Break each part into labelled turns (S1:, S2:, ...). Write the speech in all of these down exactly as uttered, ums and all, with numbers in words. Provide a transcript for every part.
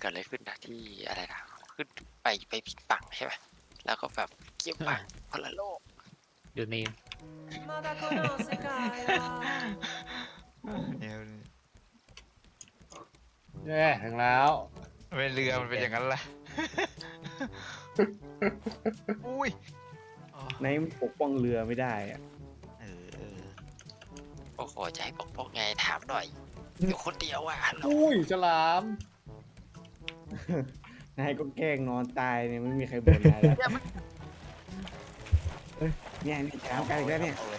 S1: กิดอะไรขึ้นนะที่อะไรนะขึ้นไปไปผิดฝั่งใช่ไหมแล้วก็แบบเกี่ยวฝั่งคนละโลก
S2: อยู่นี่
S3: เนี่ย
S4: แย่ถึงแล้ว
S3: ไม่เรือมันเป็นอย่างนั้นล่ะ อุ้ยอ๋อ
S5: ในปกป้องเรือไม่ได้อะ
S3: เออเออ
S1: โอ้โหจะให้ปกป้องไงถามหน่อยอยู่คนเดียวอ่ะฮัลโหล
S4: อุ้ยฉลาม
S5: นายก็แกล้งนอนตายเนี่ยไม่มีใครบ่นนายแล้วเนี่ยนี่ถามกันอีกแล้วเนี่ย
S3: อาล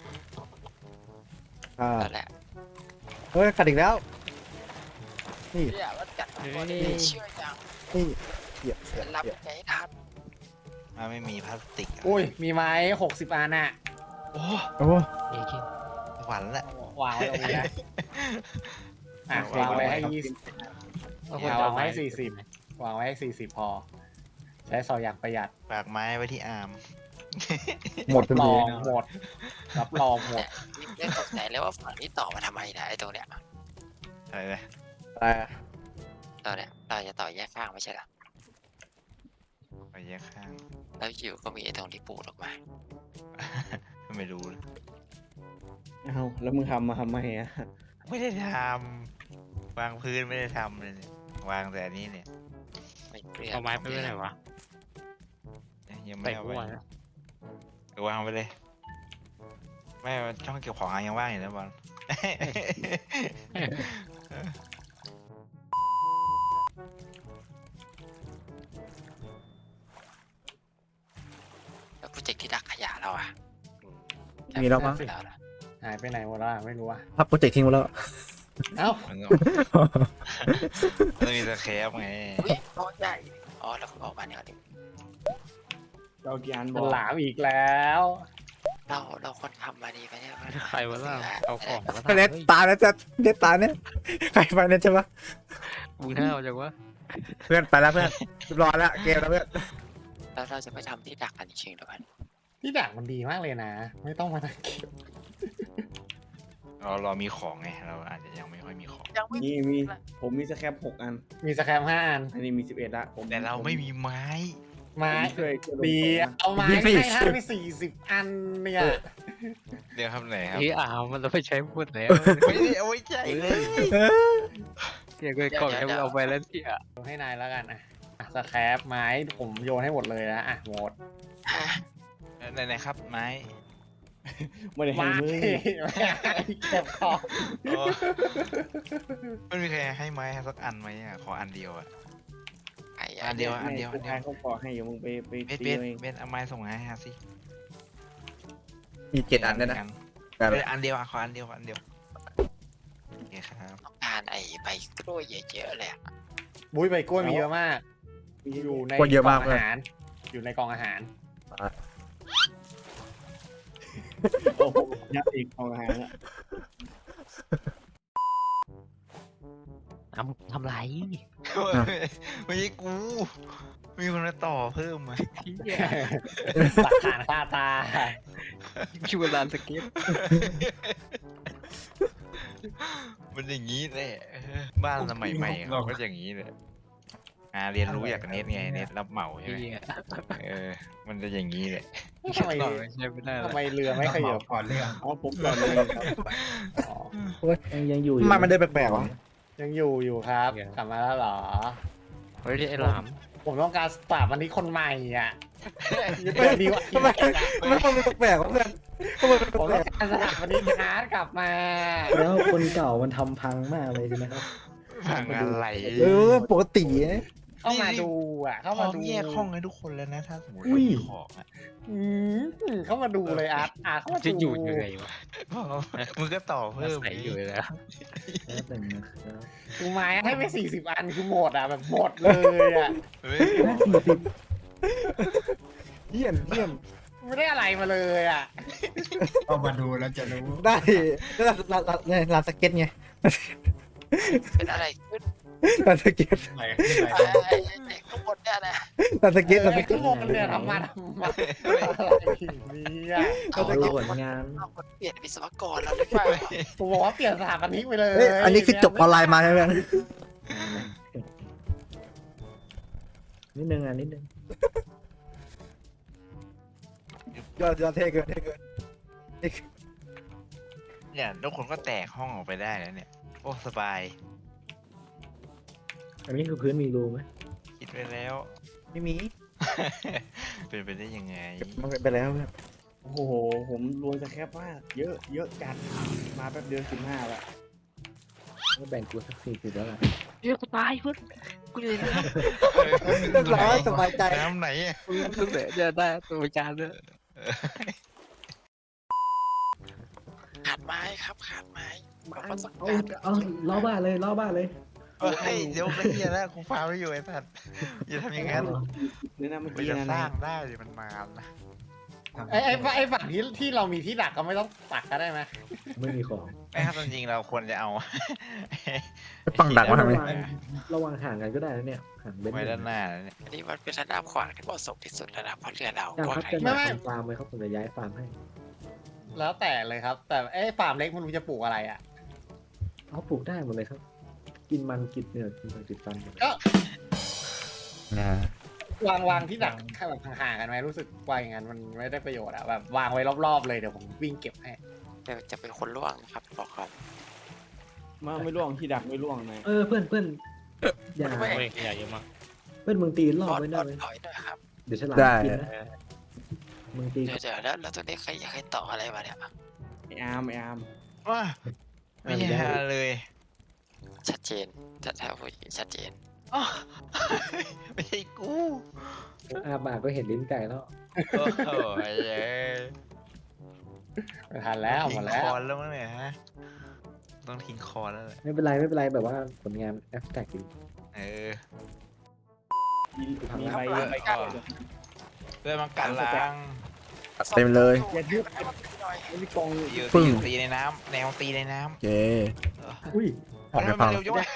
S5: อ่า
S1: นั่นแหละ
S6: เฮ้ยขัดอีกแล้ว นี่
S1: เนี่ยมันกัดตัวนี้เชื่อยัง
S6: นี่เหยียบเหยียบ
S1: รับ
S6: เหยียบ
S1: ใจทัน
S3: อ่ะไม่มีพลาสติกะ
S4: อุ้ยมีไม้หกสิบอันอ่ะ
S3: โอ้
S6: โอ้
S2: เอ้กิน
S3: หวานละ
S4: วางไว้ตรงนี้นะอ่ะวางไว้ให้ยี่สิบวางไว้ให้สี่สิบวางไว้ให้สี่สิบพอ ใช้ซอยอย่างประหยัด
S3: ฝากไม้ไว้ที่อาร์ม
S6: หมด
S4: รับ
S6: เล
S4: รอย งหมดรับรองหมด
S1: เนี่ยนี่สงสัยเลยว่าฝั่งนี้ต่อมาทำไมนะไอ้ตรงเนี้ย
S3: อะไรนะ
S6: อะไร
S1: ตอนเนี้ยเราจะต่อแยกข้างไม่ใช่เหรอ
S3: ไปแยกข้าง
S1: แล้วอยู่ก็มีไอ้ตรงที่ปูดออกมา
S3: ไม่รู้เลย
S5: เอาแล้วมึงทำมาทำไมอ่ะ
S3: ไม่ได้ทำวางพื้นไม่ได้ทำเลยเนี่ยวางแต่อันนี้เนี่ย
S1: ไม่เปลี่ยน
S2: เอาไม้ไปไว้ไหนวะ
S3: ยังไม่
S2: ใส่
S3: เอา
S2: หั
S3: ไป
S2: วนะ
S3: เดี๋ยววางไปเลย ไม่ช่องเก็บของยังว่างอยู่นะบอล
S1: แล้วโปรเจกต์ที่ดักขยะเราอ่ะ
S6: มีแล้วมั้ง
S1: แล้วนะ
S4: หายไปไหนหมดแล้วอะไม่รู้อ่ะ
S6: พับโปรเจกต์ทิ้งไปแล้ว
S4: เอ้า
S3: มันก็มันมีสแครปไง
S1: อุ้ยก้อนใหญ่อ๋อแล้วออกมาเนี่ยดิ
S5: เรากี่อันบ
S4: ฉ
S5: อก
S4: ลามอีกแล้ว
S1: เราเราคนทำมาดีไปเนี่ย
S2: ใครวะล่ะเอาของมา
S6: เน็ตตายแล้วจะเน็ตตายเนี่ยใครไปเน็ตใช่ปะ
S2: มึงห้าวจังวะ
S6: เพื่อนไปแล้วเพื่อนเรียบร้อยแล้วเกมแล้วเพื่อน
S1: แล้วเราจะไปทำที่ดักกันจริงๆแล้วกัน
S4: ที่ดักมันดีมากเลยนะ ไม่ต้องมานั่งเก็บ
S3: เราเรามีของไง เราอาจจะยังไม่ค่อยมีของ
S1: ยังไม่
S5: นี่มีผมมีสแครปหกอัน
S4: มีสแคมห้าอัน
S5: อันนี้มีสิบเอ็ดละผม
S3: แต่เราไม่มีไม้
S4: ไม้
S5: ผมช่วยช่วยลง
S4: ดี
S5: ของนะ
S4: เอาไม้ให้ท่านไปสี่สิบอันเนี่ย
S3: เดี๋ยวครับไหนครับ
S2: เฮ้ยอ้าวมันเราไปใช้พูดแล้ว
S3: ไม่ได้เอาไว้ใจเลย
S2: เกี่ยวกับกล่องให้มึงเอาไปแล้วที่อ่ะ
S4: โยนให้นายแล้วกันอ่ะอ่ะสแครปไม้ผมโยนให้หมดเลยนะอ่ะหมด
S1: ฮะ
S3: ไหนไหนครับไม้
S5: ไม่ได้ให้
S4: ไม้
S5: มึง
S4: เก็บของ
S3: โอ้ไม่มีใครให้ไม้สักอันไหมอ่ะขออันเดียวอ่ะ
S1: ไอ้
S3: อันเดียวอันเดียว
S5: ไม่
S3: อันเดียว
S5: เขาขอให้อยู่มึงไปไป
S3: เบส
S5: ตี
S3: เบส
S5: เอาเอง
S3: เบสเอาไม้ส่งให้ฮะสิ
S6: มีเจ็ดอันด้วยนะ
S3: เบสอันเดียวอ่ะขออันเดียวอันเดียวโอเคครับ
S1: ต้องการไอ้ใบกล้วยเยอะๆเลยอะ
S4: บุ้ยใบกล้วยมีเยอะมาก
S5: มี
S4: อยู่ใน
S6: กล้วยเยอะมาก
S4: กล่องอาหาร อยู่ในกล่องอาหาร
S5: โอ้โหยัดอีกของอาหารอะ
S2: ทำทำไร
S3: ไม่ใช่กู มีคนมาต่อเพิ่มมา
S2: เฮีย
S4: หลักฐานคาตา
S2: ชิวลานสเก็ต
S3: มันอย่างนี้แหละบ้านสมัยใหม่เขาก็อย่างนี้เลยอ่าเรียนรู้อยากเน็ตไงเน็ตรับเหมาใช่ไหม
S2: เฮีย
S3: เออ มันจะอย่างนี้แหละ
S4: ทำไม
S2: ต่อใช้ไม่ได้
S4: ทำ
S2: แล้ว
S4: ไมเรือไม่ขยับ
S7: ก่อนเรื่อง
S5: เอาผมก่อนเลยครับ
S4: อ๋อ
S5: ยังยังอยู่
S6: ทำไมมันเดินแปลกๆวะ
S4: ยังอยู่อยู่ครับกลับมาแล้วเหรอ
S2: เฮ้ยไอ้หลาม
S4: ผมต้องการสตาร์วันนี้คนใหม่อ่ะเปิดดีกว่า
S6: ทำไมทำไมมันแปลกๆวะเพื่อนทำไมมัน
S4: ผม
S6: แปล
S4: ต้อก งการสตาร์วันนี้ฮาร์ดกลับมา
S7: แล้วคนเก่ามันทำพังมากเลยใช่ไหมครับ
S3: ผังอะไร
S6: เออปกตินะ
S4: เข้ามาดูอ่ะ เข้า
S3: พร้
S4: มา
S3: อม
S4: ดู
S3: แยกห้องให้ทุกคนแล้วนะ ถ้าสมมติ
S7: อุ้ย
S3: มีของอ่ะ
S4: อืมเข้ามาดูเลยอาร์ตอาร์ตเข้ามา
S2: จะ
S4: ดู
S2: อยู่ยังไงวะ
S3: พร้อมมึงก็ต่อเพิ่ม
S2: ใส่อยู่แล้ว
S7: แป๊บหนึ่งนะครับ
S4: ดูไม้ให้ไปสี่สิบอันคือหมดอ่ะแบบหมดเลยอ่ะ
S3: เฮ้ย
S7: ห้าสี่สิบ
S6: เยี่ยมเยี่ยม
S4: ไม่ได้อะไรมาเลยอ่ะ
S7: เอามาดูแล้วจะรู้
S6: ได้ได้ลานลานลานลานสเก็ตไง
S1: เป็นอะไรขึ้น
S6: ลานสเก็ต
S7: ไหลขึ้นไหล
S1: ไอ้
S7: ลง
S1: ไอ้ไอ้ข้างบนเนี่ยนะ
S6: ลานสเก็ตลานส
S4: ไอ้
S6: เก็
S4: ข้า
S6: ต
S4: งบนเนี่ยทำมาทำมาอะไรเนี่ย
S1: เอา
S7: ดู
S1: เอา
S7: ผลงาน
S1: เอาคนเปลี่ยนวิศวกรแล้วหรือเปล่า
S4: ผมบอกว่าเปลี่ยนสถาปนิกไปเลย
S6: เอ้ยอันนี้คือจบออนไลน์มาใช่ไหม
S7: นิดนึงอ่ะนิดนึง
S6: ยอดยอดเท่เกินเท่เกิน
S3: เนี่ยทุกคนก็แตกห้องออกไปได้แล้วเนี่ยโอ้สบาย
S7: อันนี้คือพื้นมีรูไหม
S3: คิดไปแล้ว
S6: ไม่มี
S3: เป็นไปได้ยังไง
S6: มันเป็นไปแล้วเพื่อน
S5: โอ้โห ผมรวยจะแคบมาก เยอะ เยอะจัด มาแป๊บเดียวสิบห้าละ
S7: ก็แบ่งกูสักสี่สิบแล้วล่ะ
S2: เฮ้ยกูตายเพื่อนกูอยู่ในน้
S6: เรียบร้อยสบายใจ
S3: น้ำไหนอะ
S2: ำมึงตั้งแต่จะได้ตัวประกันด้วย
S1: ขาดไม้ครับขาดไม้บอกว่าต้อง
S7: เอา
S1: การ
S7: เอาล้อบ้านเลยล้อบ้านเลย
S3: เฮ้ยเดี๋ยวไอ้เหี้ยแล้วกูฟาร์มไม่อยู่ไอ้สัตว์อย่าทำอย่างนั้น
S5: เนี่ยนะเมื่อ
S3: มัน
S5: กี้
S3: จะ
S5: นะ
S3: สร้างได้ดิมันมานะ
S4: ไอ้ไอ้ฝั่งไอ้ฝั่งที่ที่เรามีที่ดักก็ไม่ต้องปักก็ได้ไหม
S7: ไม่มีของ
S3: ไม่ครับจริงๆเราควรจะเอา
S6: ฝั่งดักมาทำไม
S7: ระวังระวังห่างกันก็ได้นะเนี่ยห่างเบน
S3: ไว้ด้านหน้าแล้วเนี่ย
S1: อันนี้มันเป็นระดับขวางที่เหมาะสมที่สุดแล้วนะเพราะเรือเรา
S7: จ้าง
S1: ก็
S7: ครับ
S1: ไง
S7: จะอยากทำฟาร์มไหมครับผมจะย้ายฟาร์มให้
S4: แล้วแต่เลยครับ แต่ไอ้ฟาร์มเล็กมันรู้จะปลูกอะไรอ่ะ
S7: เอาปลูกได้หมดเลยครับ กินมันกินเนื้อกินมันกินฟันหมดเลย
S4: ก็
S6: นะ
S4: วางวางที่ดักแค่แบบห่างๆกันไหมรู้สึกว่าอย่างนั้นมันไม่ได้ประโยชน์อะแบบวางไว้รอบๆเลยเดี๋ยวผมวิ่งเก็บให้
S1: เดี๋ยวจะเป็นคนล่วงนะครับบอกก่อน
S5: มาไม่ล่วงที่ดักไม่ล่วงนะ
S7: เออเพื่อนเพื่อนอย่า
S2: เฮ้ยขยะเยอะมาก
S7: เพื่อนมึงตีร
S1: บ
S7: อบ
S1: อล
S7: ไว้
S1: บ
S7: ได้
S1: อล
S7: ไหม
S1: ถอยหน่อยครับ
S7: เดี๋ยวฉลาม
S6: ได้
S7: กินนะมึงตี
S1: เดี๋ยวเดี๋ยวแล้วแล้วตรงนี้ใครใครต่ออะไรมาเนี่ย
S5: ไออาร์มไออาร์ม
S3: ว้าไม่ใช่ฮาเลย
S1: ชัดเจนถ้าถ้าพูดอย่างนี้ชัดเจน
S3: อ้อไม่ใช่กู
S7: อาบากก็เห็นลิ้นไก่แล้ว
S3: โอ้โหไอ้เอ้ย
S4: ไม่ทันแล้วหมดแล้
S3: ทิ้งคว อนแล้วมั้งเนี่ยฮะต้องทิ้งคอนแล้วแหละ
S7: ไม่เป็นไรไม่เป็นไรแบบว่าผลงานแอฟแท็กดี
S3: เออ
S5: มีมีใบ
S3: ครับ
S5: ใบ
S3: ก็ เพื่อนมันกันล้าง
S6: เต็มเลย
S5: อย่าทึบไม่ได้กอง
S3: อยู่
S6: ปึ้
S3: ตี
S6: ง
S3: อยู่ตีในน้ำแนวตีในน้
S6: โอเค
S3: ำ
S7: อุ้ย
S6: ออกไป
S3: ทำไม
S6: พั
S3: มัน
S6: ง
S3: เร็วจังวะ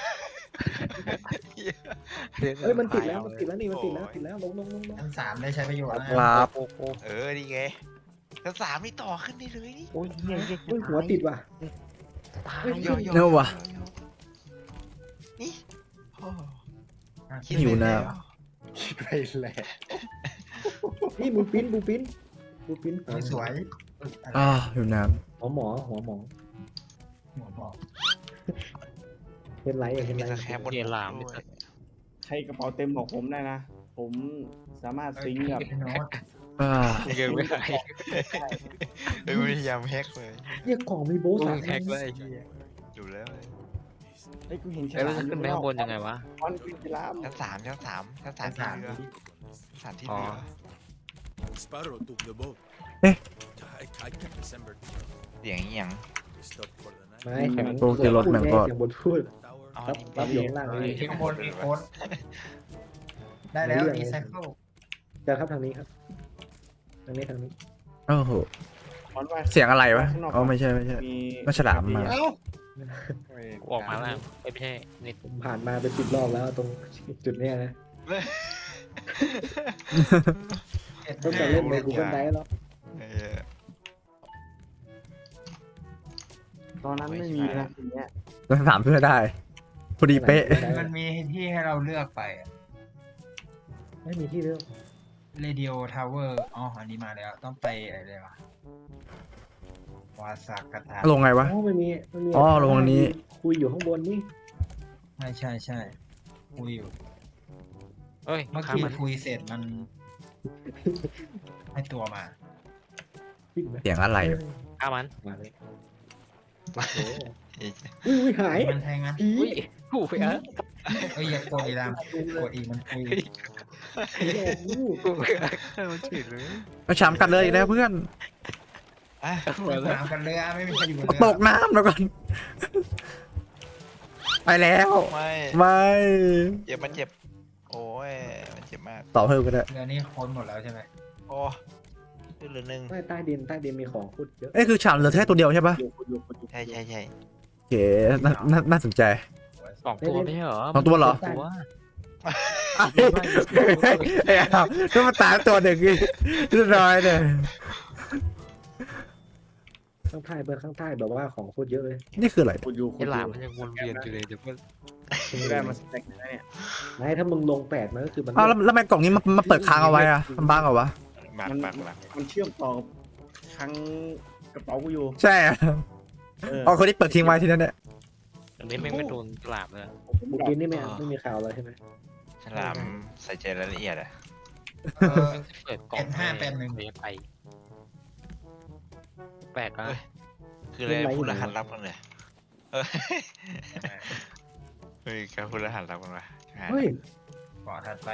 S7: เอ้ยมันติดแล้วมันติดแล้วนี่มันติดแล้วติดแล้วลงลงลงลง
S8: ชั้นสามได้ใช้ประโยชน์
S6: ค
S8: นะ
S6: รับ
S3: เออดีไงชั้นสามนี่ต่อขึ้นได้เลยนี่
S2: โอ้ยเหี้ยเหี้ย
S7: เฮ้ยหัวติดว่ะ
S2: ตาย
S3: โยโย่
S6: เน่าวะ
S3: นี่โอ้
S6: คิดอยู่นะ
S4: คิดไปเลย
S7: นี่บูปิ้นบูปิ้นบูปิ้น
S8: ไม่สวย
S6: อ่าอยู่น้
S7: หัวหมอหัวหมอ
S8: หัวบอก
S7: เห็นไรเห็น
S3: มี
S7: ไร
S3: สแครบบน
S2: เกียร์ลาม
S3: ด้
S2: ดิ
S3: วย
S2: สัตว์
S5: ใครกระเป๋าเต็มบอกผมได้นะ ผมสามารถซิงค์กับ
S8: โน้ต
S6: ำอ่า
S2: เกินไม่ได้
S3: เออพยายามแฮกเลย
S7: เรียกกล่องมีโบ
S2: กู
S7: สาม
S2: แฮกเลยไอ้เหี้ย
S3: อยู่แล้ว
S5: ไอ้ยกูเห็นฉ
S2: แล้ว
S5: ลาม
S2: จะขึ้นไปข้างบนยังไงวะ
S5: บอลขึ้นฉลาม
S3: ชั้นสามชั้นสามชั้นสาม
S8: ชั้น
S3: ที่
S8: สาม
S3: เรือชั้นสามที่
S2: อ๋อ
S3: เรือ
S9: Sparrow took the boat.
S6: Eh?
S9: I, I kept December
S3: เสียงเอียง
S9: We stopped for the night.
S7: ไม่
S6: แข่งโปรเจรถแม่งก็
S7: เสียงบนพูด
S9: Tower.
S3: อ๋อ
S7: รับ
S3: นี่
S7: รับอยู่ข้างล่างเลย
S8: ที่ข้างบนมีโค้ดได้แล้วรีไซเคิล
S7: เจอครับทางนี้ครับทางนี้ทางนี้
S6: โอ้โห
S5: บอลว่า
S6: เสียงอะไรวะอ๋อไม่ใช่ไม่ใช่
S5: มี
S6: มันฉลามมา
S4: เอ้า
S2: กูออกมาแล้วเอ้ยไม่ใช่นี่
S7: ผมผ่านมาเป็นสิบรอบแล้วตรงจุดเนี้ยนะตั้งแต่เล่นในกูเกิลไดแล้ว
S3: เออ
S5: ตอนนั้นไม่มีนะทีเนี้ย
S6: เราถามเพื่อได้พอดีเป๊ะ
S8: มันมันมีที่ให้เราเลือกไป
S7: ไม่มีที่เลือก
S8: เรดิโอทาวเวอร์อ๋ออันนี้มาแล้วต้องไปอะไรวะวาซากาตา
S6: ลงไงวะ
S7: อ๋อไม่มีไม่มี
S6: อ๋อลงอันนี้
S7: คุยอยู่ข้างบนนี่
S8: ใช่ใช่ใช่คุยอยู่
S2: เอ้ย
S8: เมื่อ
S2: ข้าม
S8: กี้
S2: มัน
S8: คุยเสร็จมัน ให้ตัวมา
S7: วิ่งไหม
S6: เสียงอะไร
S2: ข้ามมัน
S7: มาเลย
S3: เอ้ย
S7: อุ้ยอุ้ยหาย
S8: มันแทงงั้น
S7: ผี
S2: อุ้ยกูไปอ่ะ
S8: เอ้ยอย่ากดอีรามกดอีมันคุย
S7: ผีหลอกลูก
S2: กูไปอ่ะมันฉีดเลย
S6: มาฉามกันเลยอีกแล้วเพื่อน
S3: อ่ะ
S8: น้ำกันเรือไม่มีใครอยู่บน
S6: ต
S8: เรื
S6: กน้ำแล้วก่อนไปแล้ว
S3: ไม่
S6: ไม่
S3: เจ็บมันเจ็บ โอ้ยมันเจ็บมาก
S6: ต่อเพิ่มก็ได้
S8: เรือนี่ค้นหมดแล้วใช่ไหม
S3: โอ้ขึ้นเหลือหนึ่ง
S7: ไม่ใต้ดินใต้ดินมีของพูดเยอะ
S6: เอ้ยคือฉามเหลือแค่ตัวเดียวใช่ปะ
S5: อยู่อยู่อยู่
S3: ใช่ใช่ใช่
S6: โอเคน่าน่าน่าสนใจ
S2: สองตัวไม่ใช่เหรอ
S6: สองตัวเหรอ
S2: ตัว
S6: ไอ้อ้าวก็มาตายตัวหนึ่งอีกเรียบร้อยเลย
S7: ข้างใต้เพื่อนข้างใต้แบบว่าของโคตรเยอะเลย
S6: นี่คืออะไร
S5: คุณอยู่คุ
S2: ไอ้
S5: ณ
S2: ห
S5: อ
S2: ลาม
S5: ยู่
S2: มันยังวนเวียนอยู่เลยเดี๋ยวเพื่อน
S5: คุณได้มาสเต็กนะเนี่ย
S7: ไม่ถ้ามึงลงแปดมันก็คือมัน
S6: อ้าวแล้วแล้วทำไมกล่องนี้มันมันเปิดค้างเอาไว้อะมันบ้างเหรอวะ
S3: บัก
S5: มัน
S3: บักบัก
S5: มันเชื่อมต่อกับคลังกระเป๋ากูอยู่
S6: ใช่อะ
S5: เออ
S6: อ๋อคนที่เปิดทิ้งไว้ที่นั่นเนี่ย
S2: อันนี้ไม่งไม่โดนหลามเลย
S7: บุกินนี่ไม่ไม่มีข่าวแล้วใช่ไหม
S3: ฉลามใส่ใจรายละเอียดอะ
S8: เออ
S2: เปิดกล่อง
S8: เป็นห้าเป็นหนึ่ง
S2: เลยไปแปลกอ่ะ
S3: คืออะไรพูดรหัสลับกันเลยเออเฮ้ยการพูดรหัสลับกันวะ
S7: เฮ้ย
S8: ก่อนถัดไป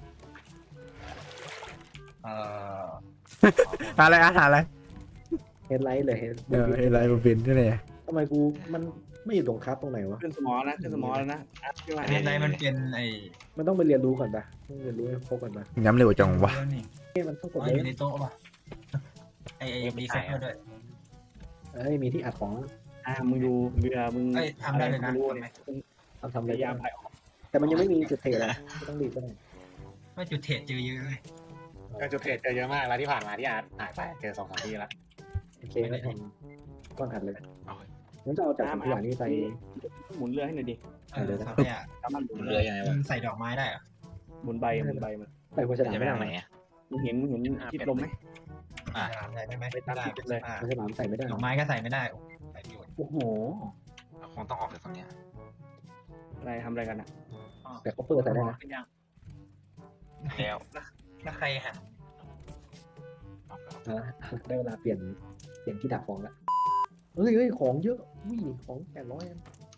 S8: เอ่อ
S6: อะไรอาหารอะไร
S7: เฮดไลท์เลยเฮด
S6: เอออะไรมาเป็นที่ไหน
S7: ทำไมกูมันไม่อยู่ตรงคับตรงไหนวะ
S5: ขึ้นสมอนะขึ้นสมอแล้วนะอัพขึ้นมา
S8: อันนี้ในมันเป็นไอ้
S7: มันต้องไปเรียนรู้ก่อนปะต้องเรียนรู้ให้ครบก่อนปะ
S6: ย้ำเร็วจังวะ
S8: นี่
S7: เฮ้ยมันต้องก
S8: อ๋
S7: ด
S8: อ
S7: เล
S8: อยู่ใน
S7: ย
S8: โต๊ะป่ะไอ้ไอ้มีเซ็ตมาด้วย
S7: เอ้ยมีที่อัดของ
S5: อ่ามึงดูเบื่อมึง
S8: เอ้ยทำได้เลยนะ
S5: ม่รู้
S8: ทำไหม
S5: เนี่ย
S7: ทำทำ
S5: พ
S7: เลย
S5: ยายามไปออก
S7: แต่มันยังไม่มีจุดเทอะไม่ต้องรีบก็ได้
S8: ว่าจุดเทรดเจอเยอะเลย
S4: ก็จุดเทรดเจอเยอะมากแล้วที่ผ่านมาที่อาร์ตหายไปเจอสองสามที่ละ
S7: โอเคก็ทำก้อนอัดเลย
S3: เอา
S7: งั้นจะเอาจากสิ่งอย่างนี้ไป
S5: หมุนเรือให้หน่อยดิ
S8: เออครับเนี่ย
S5: สามารถหมุน
S3: เรื
S5: เรือ อ
S3: ยังไง
S8: มั
S3: วะ
S8: นใส่ดอกไม้ได้เหรอ
S5: หมุนใบหมุนใบมัน
S7: ไปโฆษณา
S3: จะไป
S7: ไม่ได้
S3: ทางไหนอะ
S5: มึงเห็นมึงเห็นทิศลมไหม
S3: อ่ะ
S8: ใส่ได้ไหม
S5: ไปตาม
S8: ได้
S5: ทิศเลย
S8: อ่า
S7: โฆษณาใส่ไม่ได้
S8: ดอกไม้ก็ใส่ไม่ได้โอ้ใส่ประโยชน์
S5: โอ้โห
S3: คงต้องออกจากตรงเนี้ย
S5: อะไรทำอะไรกันอ่ะ
S7: แต่เขาเปิดใส่ได้นะ
S8: เป็นยัง
S3: แล้ว
S8: แล้วใครหัน
S3: ออกแล้ว
S7: อ่ะได้เวลาเปลี่ยนเปลี่ยนที่ดักของละเฮ้ยเฮ้ยของเยอะอุ้ยของแปดร้อยอัน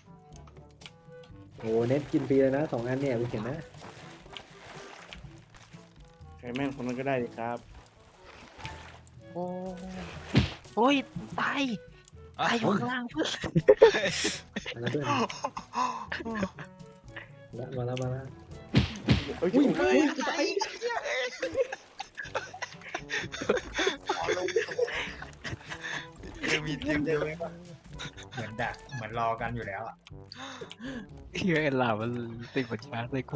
S7: โอ้เน็ตกินฟรีเลยนะสองอันเนี่ยคุณเห็นนะ
S5: ใครแม่งคนนั้นก็ได้ดิครับ
S2: โอ้โอ้ยตายตายอยู่ข้างล่างเพื่อน
S7: มาแล้วด้วยแล้วมาแล้วมาแล้ว
S5: เอ้ย
S7: อุ้ย
S5: เฮ้ย
S3: เออมีเตียงเดียว
S8: เหมือนดักเหมือนรอกันอยู่แล้วอ่ะ
S2: เฮียไอ้หลามมันติดหัวช้างเลยกู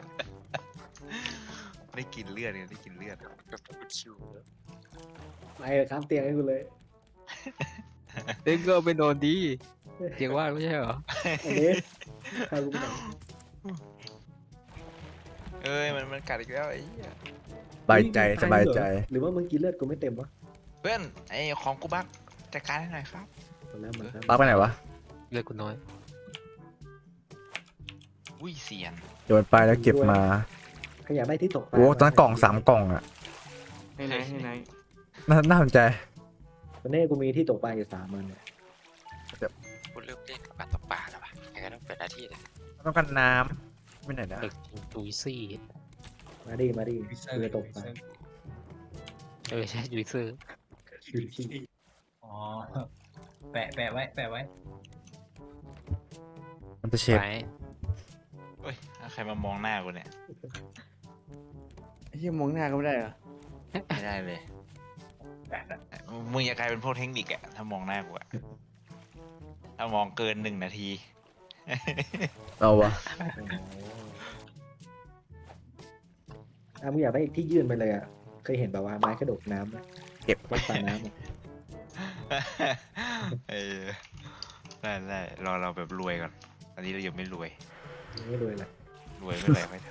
S3: ได้กินเลือดเนี่ยได้กินเลือด
S1: กับกูคิว
S7: ไปข้ามเตียงให้กูเลย
S2: เด้งก็เอาไปนอนดีเตียงว่างไม่ใช่เหรอ
S7: อันนี้ใครกูไปไหน
S3: เอ้ยมันมันกัดอีกแล้วไอ้เหี้ย
S6: สบายใจสบายใจ
S7: หรือว่ามึงกินเลือดกูไม่เต็มวะ
S3: เพื่อนไอ้ของกูบักจัดการให้หน่อยครับ
S7: ตอนแรกมันครับ
S6: ปักไปไหนวะ
S2: เลือดกูน้อย
S3: อุ้ยเสียน
S6: โยนไปแล้วเก็บมา
S7: ขยับได้ที่ตกปลา
S6: โอ้ตอนนั้นกล่องสามกล่องอะ
S5: ให้ไหนให้ไหน
S6: น่าน่าสนใจ
S7: ตอนนี้กูมีที่ตกปลาอยู่สามมันเนี่ย
S1: กูเริ่มเล่นกับปลาตกปลาแล้วว่ะยังไงต้องเปิดหน้าที่เลย
S6: ต้องการน้ำไม่ไหนนะ
S2: เด็กจุยซี่
S7: มาดิมาดิ
S8: วิเซอ
S7: กู
S8: ร์
S7: จะตกปลา
S2: เออใช่จุยเซอร์
S8: อ๋อแปะแปะไว้แปะไว้
S6: มันจะเชฟ
S2: ไป
S3: เฮ้ยใครมามองหน้ากูเนี่ย
S5: ไอ้เหี้ยมองหน้าก็ไม่ได้เหรอ
S3: ไม่ได้เลยมึงอย่ากลายเป็นพวกเทคนิคอะถ้ามองหน้ากูอะถ้ามองเกินหนึ่งนาที
S6: เอาวะ
S7: อ่ะมึงอยากได้ที่ยื่นไปเลยอ่ะเคยเห็นแบบว่าไม้กระดกน้ำไหม
S6: เก็บ
S7: วัดปลาน้ำอะ
S3: เออได้ได้รอเราแบบรวยก่อนตอนนี้เรายังไม่รวย
S7: ไม่รวยเลย
S3: รวยเมื่อไหร่ค่อยท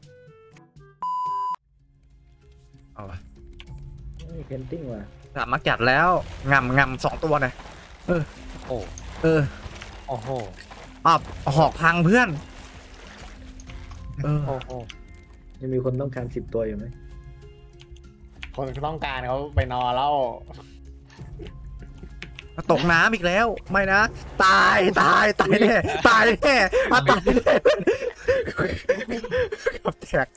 S6: เอาวะ
S7: เพนติ้งว่ะ
S6: สามมากัดแล้วงำงำสองตัวหน่อยเออ
S2: โอ้
S6: เออ
S2: โอ้โห
S6: อ้าวหอกพังเพื่อนเออ
S2: โอ้โห
S7: ยังมีคนต้องการสิบตัวอยู่ไหม
S4: คนต้องการเขาไปนอนแล้ว
S6: ตกน้ำอีกแล้ว ไม่นะ ตายตายตายแน่ตายแน่อ่ะตายแน่กับแตก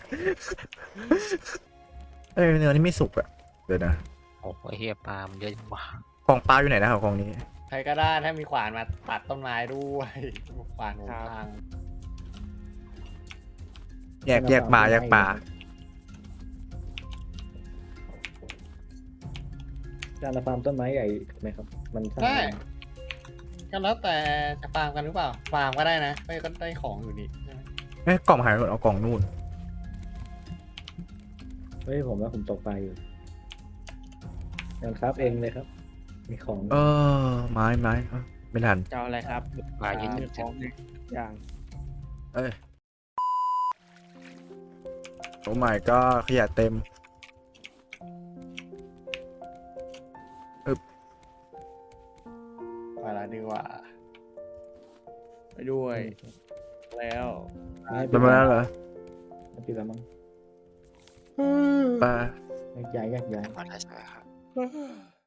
S6: เอ้ยเนื้อนี่ไม่สุกอะเดี๋ยวนะ
S2: โอ้โหเฮียปลามันเยอะจังวะ
S6: กล่องปลาอยู่ไหนนะครับกล่องนี้
S4: ใครก็ได้ถ้ามีขวานมาตัดต้นไม้ด้วยขวานหัวทาง
S6: แยกแยกปลาแยกปลา
S7: การละฟาร์มต้นไม้ใหญ่ไหมครับ มันสร้าง
S4: ได้ก็แล้วแต่จะฟาร์มกันหรือเปล่าฟาร์มก็ได้นะก็ก็ได้ของอยู่นี่ใช่ไหม
S6: เอ้ยกล่องหายหมดเอากล่องนู่น
S7: เฮ้ยผมว่าผมตกปลาอยู่งั้นครับเองเลยครับมีของ
S6: เออไม้ไม้เอ้าไม่ทัน
S5: จะเอาอะไรครับ
S2: ปลาเยอะ
S5: มีของอย่าง
S6: เอ้ยโอ้ไม่ก็ขยะเต็ม
S5: ไปละดีกว่า ไปด้วย แล้ว
S6: มันมาแล้วเหรอ
S7: ไม่ปิดแล้วมั้ง
S6: ไป
S7: ย้ายย้ายย้าย
S1: หมดแล้วใช่ไหมครับ
S5: เ